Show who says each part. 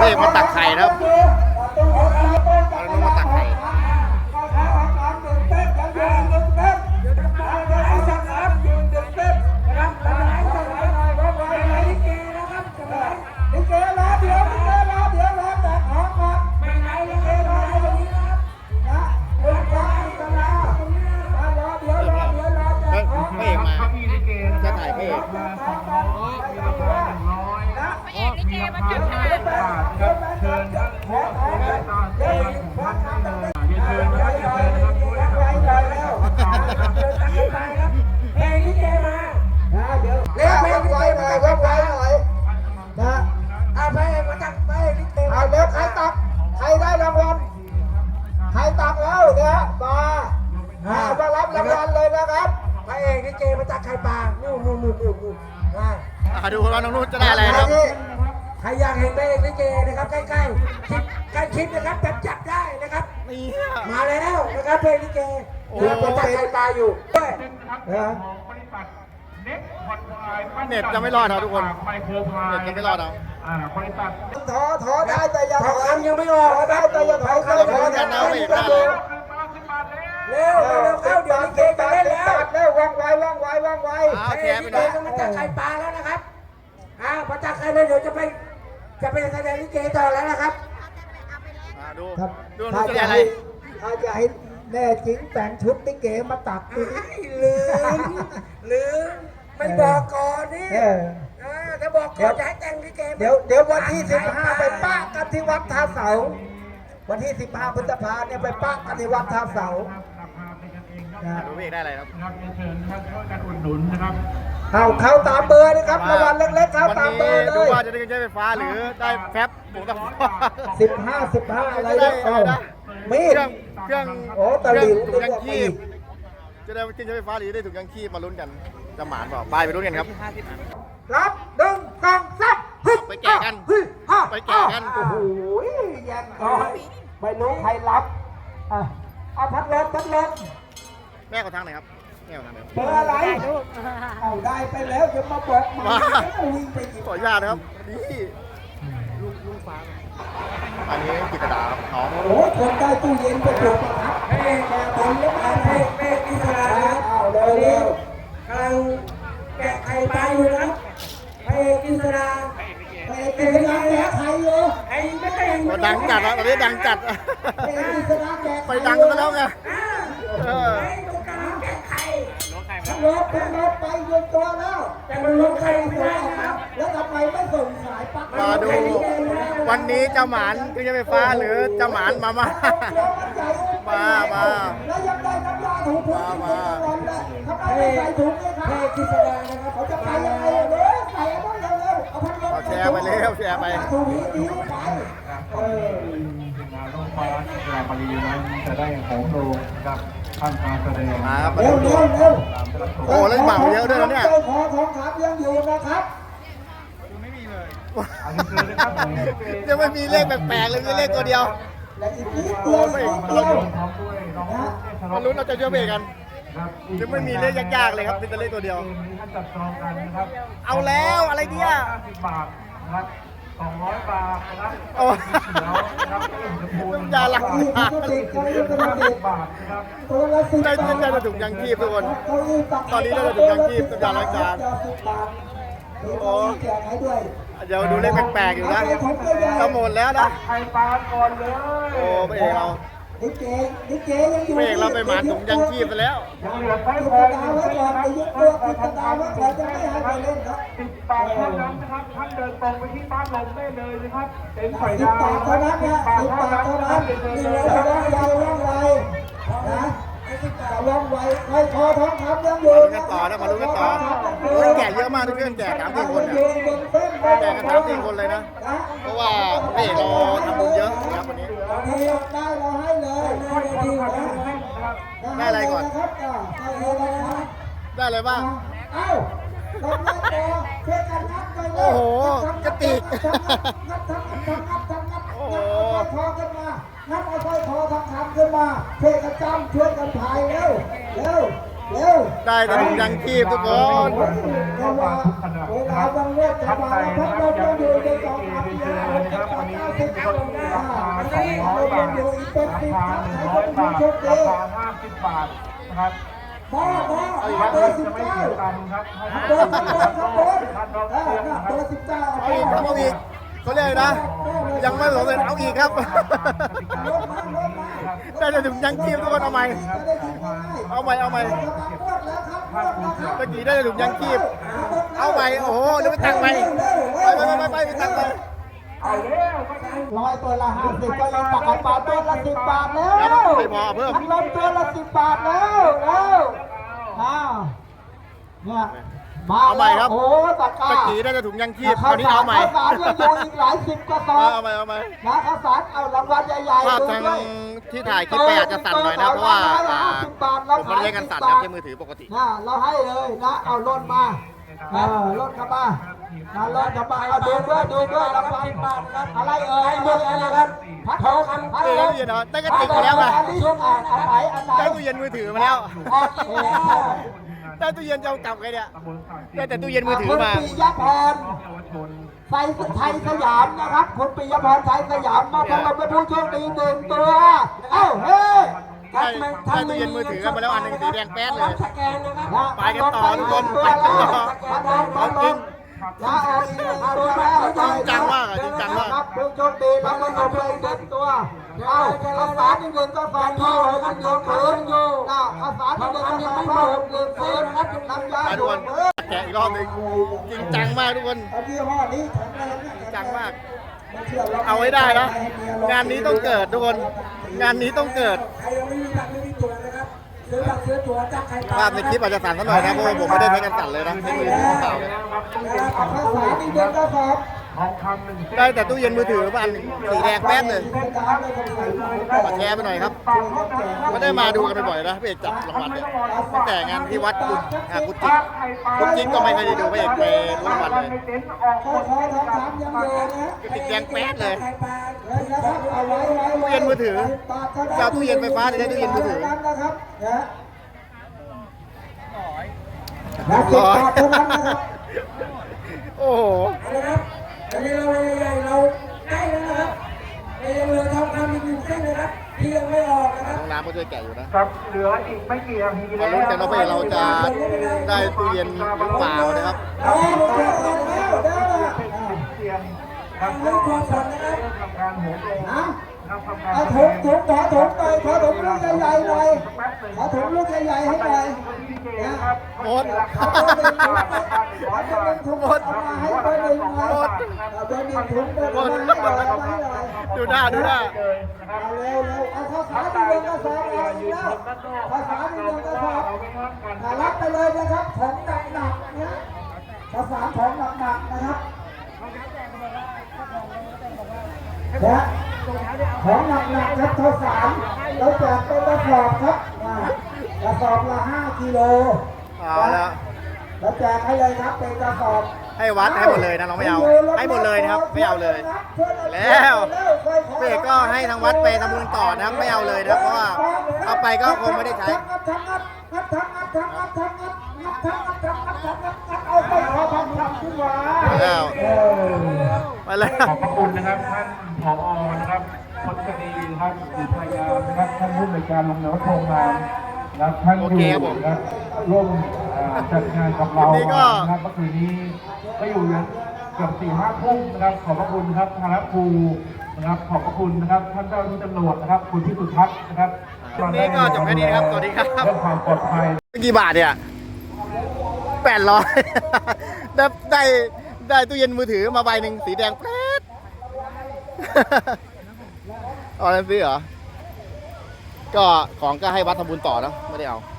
Speaker 1: เอกมาตักไข่นะครับน้องมาตักไข่พระเอกมาจะถ่ายพระเอก
Speaker 2: ลิเกมาจับฉลาก
Speaker 3: เชิญท่านผู้บริหารตามที่ท่านได้เลยเชิญครับเชิญครับด้วย
Speaker 2: เพลงลิเกมา
Speaker 4: เดี๋ยวเพลงลิเกมาว่องไวหน่อยนะเพลงมาจากเพลงลิเกเอาเดี๋ยวใครตักใครได้รางวัลใครตักแล้วเนี่ยมารับรางวัลเลยนะครับพระเอกลิเกมาจากไข่ปลานู่น
Speaker 1: ดูว่าน้องนุ่นจะได้อะไรนะครับ
Speaker 4: ใครอยากเห็นพระเอกลิเกนะครับใกล้ชิดนะครับแบบจับได้นะครับมาแล้วนะครับเพลงลิเกเดี๋ยวมาจากไข่ปลาอยู่ด้วย
Speaker 1: เน็ตจะไม่รอดครับทุกคนเน็ตจะไม่รอดเอา
Speaker 4: ถอได้แต่ยังยังไม่ออกได้แต่ยังถอยเข้า
Speaker 1: กันนะเอกได้
Speaker 4: เร็วเข้าเดี๋ยวลิเกจะเล่นแล้วว่องไว
Speaker 1: แชร์ไปห
Speaker 4: น่
Speaker 1: น่
Speaker 4: อ
Speaker 1: อย ย
Speaker 4: มาจากไข่ปลาแล้วนะครับพอจากไข่เลยเดี๋ยวจะไปแสดงลิเกต่อแล้วนะครับ
Speaker 1: ดูนุ่นจะได้อะไร
Speaker 4: ถ้าจะให้แน่จริงแต่งชุดลิเกมาตักลืมไม่บอกก่อนนี่ถ้าบอกก่อนจะให้แต่งลิเกเดี๋ยววันที่15ไปป้ากันที่วัดท่าเสาวันที่15พฤษภาเนี่ยไปป้ากันที่วัดท่าเสา
Speaker 1: ดูเอกได้อะไรครับ
Speaker 3: เชิญท่านช่วยกันอุดหนุนนะครับ
Speaker 4: เข้าตามเบอร์นะครับรางวัลเล็กๆเข้าตามเบอร์เลย
Speaker 1: ดูว่าจะได้ใช้ไฟฟ้าหรือได้แฟบผมต้อง
Speaker 4: 15อะไรเนี่ยมี
Speaker 1: เครื่อง
Speaker 4: ตะหลิว
Speaker 1: ถุงยังชีพจะได้ใช้ไฟฟ้าหรือได้ถุงยังชีพมาลุ้นกันจะหมานเปล่าไปลุ้นกันครับ
Speaker 4: รับ1 2 3
Speaker 1: ไปแก่กัน
Speaker 4: โอ้โหยังไม่รู้ใครรับเอาพัดลม
Speaker 1: แม่เขาทางไหนครับแม่เขาทางไหน
Speaker 4: เบอร์อะไรเอาได้ไปแล้วจะมาบอกมาวิ่งไปอีก
Speaker 1: ขออนุญาตนะครับนี่ลุงฟ้าอันนี้กิตดาครับน้อง
Speaker 4: โอ้คนได้ตู้เย็นไปถูกครับเฮ้แกบอลแล้วมาเฮ้กิตดาเอาเร็วกำลังแกะไข่ปลาอยู่นะเฮ้กิตดาแกะไข่อยู่ไอ้ไม่ใช่
Speaker 1: ดังจัดอ่ะตอนนี้ดังจัดไปดังกันแล้วไงลบไปยืนตัวแล้วแต่มันลงใครไม่ได้ครับแล้วทำไมไม่ส่งสายปักมาดูวันนี้เจ้าหมานเครื่องใช้ไฟฟ้าหรือเจ้าหมานมาแล้วยังได้น้ำยาถูพื้นมาทำไมไม่ใส่ถุงเลยครับเฮ้กิษดานะครับเขาจะไปยังไงเลยใส่เอาเร็วเอาพัดลมแชร์ไปเร็วแชร์ไปถูนี้ดีไป
Speaker 3: งานต้องฟ้ากีฬาปรีนั้นจะได้ของโดกับท่านการแสดง
Speaker 1: มาครับเร็วโอ้เล่นหมาเยอะด้วยนะเนี่ย
Speaker 4: ขอของขับยังอยู่นะครับ
Speaker 3: ไม่มีเลย
Speaker 1: ยังไม่มีเลขแปลกๆเลยมีเลขตัวเดียวมาลุ้นเราจะเชื่อเบรกกันยังไม่มีเลขยากๆเลยครับเป็นแต่เลขตัวเดียวเอาแล้วอะไรเนี่ย
Speaker 3: 10 บาทนะครับ200 บาทนะครับ
Speaker 1: น้ำยาล้างจาน
Speaker 3: บาทนะครับ
Speaker 1: ได้จะถุงยังชีพทุกคนตอนนี้ได้จะถุงยังชีพน้ำยาล้างจานโอ้เดี๋ยวดูเลขแปลกๆอยู่นะจะหมดแล้วนะ
Speaker 3: ไข่ปลาก่อนเลย
Speaker 1: โอ้ไม่เอกเรา
Speaker 4: ลิเกยังอยู่
Speaker 1: ไม่เอกเราไปหมานถุงยังชีพไปแล้ว
Speaker 3: ยังเหลือไฟพออยู่
Speaker 4: ไปยึดตัวกิจดาว่าเราจะไม่ให้ไปเล่นครับ
Speaker 3: 10 บาทเท่านั้นนะครับท่านเดินตรงไปที่บ้านลมได้เลยนะครับเป็นไข่
Speaker 4: ดาว10 บาทเท่านั้นนะ10 บาทเท่านั้นนี่เลยว่องไวนะว่องไวใครคอทองคำยังอยู่
Speaker 1: มาลุ้นกันต่อนะมาลุ้นกันต่อแก่เยอะมากทุกเรื่องแก่3-4 คนเนี่ยแก่กัน3-4 คนเลยนะเพราะว่าไม่เอกเราทำบุญเยอะครับวันนี้
Speaker 4: ได้เราให้เลย
Speaker 1: ได้อะไรก่อนได้อะไรบ้างโอ้โหกระติกโอ้โห
Speaker 4: นับเอาสร้อยคอทองคำขึ้นมาช่วยกันจำช่วยกันพายเร็ว
Speaker 1: ได้แต่ถุงยังชีพทุกคน
Speaker 4: เวลา
Speaker 3: นะครับ
Speaker 4: บางเรื่องจะ
Speaker 3: ท่าน
Speaker 4: มา
Speaker 3: ใด
Speaker 4: พั
Speaker 3: นะ
Speaker 4: ด
Speaker 3: ค
Speaker 4: ล
Speaker 3: รับ
Speaker 4: ม
Speaker 3: ยัง
Speaker 4: ก็
Speaker 3: มี
Speaker 4: อยู่ใน
Speaker 3: เอก
Speaker 4: สอง
Speaker 3: เอ
Speaker 4: พัน
Speaker 3: เรียน
Speaker 4: เดี
Speaker 3: เชิ
Speaker 4: ยว
Speaker 3: ญนะครับ วันนี้ลดลดราคา200 บาทราคา100 บาทราคา50 บาทนะครับ
Speaker 4: พ่อ
Speaker 3: วัด
Speaker 4: เบอ
Speaker 3: อื่
Speaker 4: ร์
Speaker 3: น
Speaker 4: สิบ
Speaker 3: จะไม่
Speaker 4: เก้า
Speaker 3: เสียตังค์ครับให้
Speaker 4: เบอร์สิบ
Speaker 3: ท่าน
Speaker 4: เก้า
Speaker 3: ท่าน
Speaker 4: ครับ
Speaker 3: ท่าน
Speaker 4: บน
Speaker 3: เทียมนะค
Speaker 4: เบ
Speaker 3: รั
Speaker 4: อบ ร์สิบเก้า
Speaker 1: เอาอีกครับเอาอีกเขาเรียกอะไรนะ ยังไม่สำเร็จเอาอีกครับ ได้แต่ถุงยังชีพทุกคนเอาใหม่เอาใหม่เอาใหม่ตะกี้ได้แต่ถุงยังชีพเอาใหม่โอ้โหเดี๋ยวไปตักใหม่ไปตักใหม่
Speaker 3: เอาเร็ว
Speaker 4: ร้อยตัวละ50ก็ยังตักไข่ปลาตัวละ10 บาทแล้ว
Speaker 1: ไม่พอเพิ่ม
Speaker 4: พัดลมตัวละ10 บาทแล้วอ้าวเนี่ยมา
Speaker 1: เอาใหม่ครับ
Speaker 4: โอ้ตะกร้า
Speaker 1: ตะกี้ได้แต่ถุงยังชีพคราวนี้เอาใหม่
Speaker 4: ข้าวสารยังอยู่อีกหลายสิบกระสอบ
Speaker 1: เอาใหม่เอาใหม่
Speaker 4: นะข้าวสารเอารางวัลใหญ่ๆ
Speaker 1: ภาพ
Speaker 4: ดู
Speaker 1: ทาง
Speaker 4: ด้วย
Speaker 1: ที่ถ่ายคลิปไปอาจจะสั่นหน่อยนะเพราะว่าผมมันเล่นกันสั่นนะที่มือถือปกติ
Speaker 4: นะเราให้เลยนะเอารถมารถเข้ามานะรถเข้ามาเอาดูด้วยรางวัลอะไรเอ่ยเรื่องอะไรครับพัดทองคำพัด
Speaker 1: เออ
Speaker 4: ลม
Speaker 1: ตู้เย็นเหรอได้กระติกมาแล้วไง
Speaker 4: อันไหน
Speaker 1: ได้ตู้เย็นมือถือมาแล้ว
Speaker 4: ออกอีกแล้ว
Speaker 1: ได้ตู้เย็นจะเอากลับไงเนี่ยได้แต่ตู้เย็นมือถือมา
Speaker 4: คุณปิยพรไทยสยามนะครับคุณปิยพรไทยสยามมาพบกับผู้โชคดีหนึ่งตัวเอ้าเฮ้ย
Speaker 1: ได้ตู้เย็นมือถือมาแล้วอันหนึ่งสีแดงแป๊ดเลย
Speaker 2: สแกนนะครับ
Speaker 1: ไปกันต่อทุกคนไปกันต่อของจริง
Speaker 4: นะออกอีกหนึ่งตัวแล้ว
Speaker 1: จริงจังมากอะจริงจังมาก
Speaker 4: ครับผู้โชคดีรับเงินลงไปหนึ่งตัวเอ้าข้าวสารอีกหนึ่งกระสอบที่หกหนึ่งผืนข้าวสารอีกหนึ่งกระสอบผ้าห่มหนึ่งผืนน้ำยา
Speaker 1: ไป
Speaker 4: ห
Speaker 1: ทุกค
Speaker 4: นึ่
Speaker 1: น
Speaker 4: งผืน
Speaker 1: แกะอีกรอบหนึงจริงจังมากทุกคน
Speaker 4: เอายี่ห้อนี้แข็งแรง
Speaker 1: จริงจังมาก เอาไว้ได้นะงานนี้ต้องเกิดทุกคน งานนี้ต้องเกิด
Speaker 2: ใครยังไม่มีบัตรไม่มีตั๋วนะครับซื้อบัตรซื้อตั๋วจากใคร
Speaker 1: ภาพในคลิปอาจจะสั่นสักหน่อยนะเพราะว่าผมไม่ได้ใช้กันสั่นเลยนะใช้มือถือเปล่าเลย
Speaker 4: ข้าวสารอีกหนึ่งกระสอบ
Speaker 3: ทองคำหนึ่งเส้น
Speaker 1: ได้แต่ตู้เย็นมือถือมาอันหนึ่งสีแดงแป๊ดเลยมาแชร์ไปหน่อยครับไม่ได้มาดูกันบ่อยๆนะพี่เอกจับรางวัลเนี่ยตั้งแต่งานที่วัดกุจิกก็ไม่เคยได้ดูพี่เอกไปรู้รางวัลเลย
Speaker 3: ในเต็นท์ออกหมด
Speaker 4: ขอทองคำยังอยู่นะ
Speaker 1: กระติกแดงแป๊ดเลย
Speaker 2: ใครปลา
Speaker 4: นะครับเอาไว้
Speaker 1: ตู้เย็นมือถือจะเอาตู้เย็นไฟฟ้าหรือจะตู้เย็นมือถือ
Speaker 4: นะครับนะ10 บาทเท่านั้นนะครับ
Speaker 1: โอ้โห
Speaker 2: นะครับตอนนี้เราใหญ่ๆเราใกล้แล้วนะครับแต่ยังเหลือทองคำอีกหนึ่งเส้นนะครับที่ยังไม่ออกนะครับ
Speaker 1: น้องน้ำก็ช่วยแกะอยู่นะ
Speaker 3: ครับเหลืออีกไม่กี่นาที
Speaker 1: มา
Speaker 3: แล้ว
Speaker 1: ลุ้นกันว่าพี่เราจะได้ตู้เย็นหรือเปล่านะครับ
Speaker 4: เอาลงมาแล้วเด้อ
Speaker 3: เสียงครับ
Speaker 2: เรื่องความฝันนะครับ
Speaker 3: ทำการโหมโรง
Speaker 4: นะ
Speaker 3: ครับทำการ
Speaker 4: เอาถุงขอถุงหน่อยขอถุงลูกใหญ่ๆหน่อยขอถุงลูกใหญ่ๆให้หน่อยนะ
Speaker 1: หมด
Speaker 4: เอาเบอร์หนึ่งถุงเอาเบอร์หนึ่งถุงเอามาให้เบอร์หนึ่งหน่อยเอาเบอร์หนึ่งถุงเบอร์หนึ่งให้หน่อยเอามาให้หน่อย
Speaker 1: ดูหน้าดูหน้า
Speaker 3: เลยนะครับ
Speaker 4: เอาเร็วเอาข้าวสารที่เดินกระสอบเอาอีกแล้วข้าวสารที่เดินกระสอบรับไปเลยนะครับของหนักๆเนี่ยข้าวสารของหนักๆนะครับนะของหนักๆครับข้าวสารเราแจกเป็นกระสอบครับกระสอบละ5 กิโล
Speaker 1: เอาละ
Speaker 4: เราแจกให้เลยครับเป็นกระสอบ
Speaker 1: ให้วัดให้หมดเลยนะน้องไม่เอาให้หมดเลยนะครับไม่เอาเลย แล้วพี่เอกก็ให้ทางวัดไปทำบุญต่อนะครับไม่เอาเลยนะครับเพราะว่าเอาไปก็คงไม่ได้ใช้
Speaker 4: เอาไปขอทำขึ้นมา
Speaker 1: แล้วไปแล้ว
Speaker 3: ขอบพระคุณนะครับท่านผอนะครับพลคดีนะครับอุทยานนะครับท่านผู้ในวยการโรงเรียนวัดโพงามนะครับท่านอยู่นะครับร่วมจัดงานกับเรานะครับเมื่อคืนนี้ก็อยู่ยันเกือบ4-5 ทุ่มนะครับขอบพระคุณครับทางครูนะครับขอบพระคุณนะครับท่านเจ้าหน้าที่ตำรวจนะครับคุณพิสุทธิ์ทัศน์นะครับ
Speaker 1: วันนี้ก็จบแค่นี้นะครับสวัสดีครับ
Speaker 3: เรื่องความปลอดภัย
Speaker 1: กี่บาทเนี่ย800 ได้ตู้เย็นมือถือมาใบหนึ่งสีแดงแป๊ดเอาอะไรซื้อเหรอก็ของก็ให้วัดทำบุญต่อนะไม่ได้เอา